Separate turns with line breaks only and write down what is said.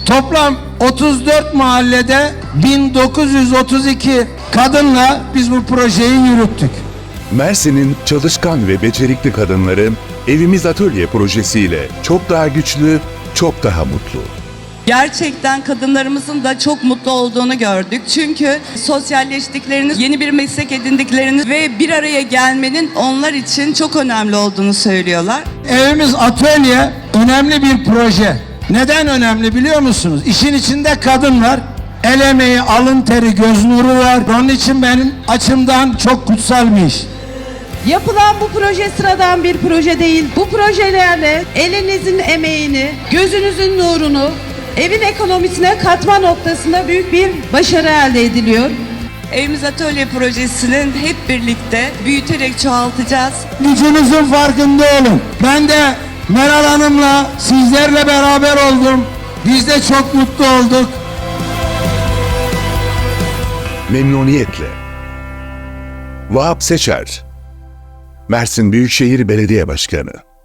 Toplam 34 mahallede 1932 kadınla biz bu projeyi yürüttük.
Mersin'in çalışkan ve becerikli kadınları Evimiz Atölye projesiyle çok daha güçlü, çok daha mutlu.
Gerçekten kadınlarımızın da çok mutlu olduğunu gördük. Çünkü sosyalleştiklerini, yeni bir meslek edindiklerini ve bir araya gelmenin onlar için çok önemli olduğunu söylüyorlar.
Evimiz Atölye önemli bir proje. Neden önemli biliyor musunuz? İşin içinde kadın var. El emeği, alın teri, göz nuru var. Onun için benim açımdan çok kutsal bir iş.
Yapılan bu proje sıradan bir proje değil. Bu projelerle elinizin emeğini, gözünüzün nurunu evin ekonomisine katma noktasında büyük bir başarı elde ediliyor.
Evimiz Atölye projesinin hep birlikte büyüterek çoğaltacağız.
Gücünüzün farkında olun. Ben de Meral Hanım'la sizlerle beraber oldum. Biz de çok mutlu olduk.
Memnuniyetle. Vahap Seçer, Mersin Büyükşehir Belediye Başkanı.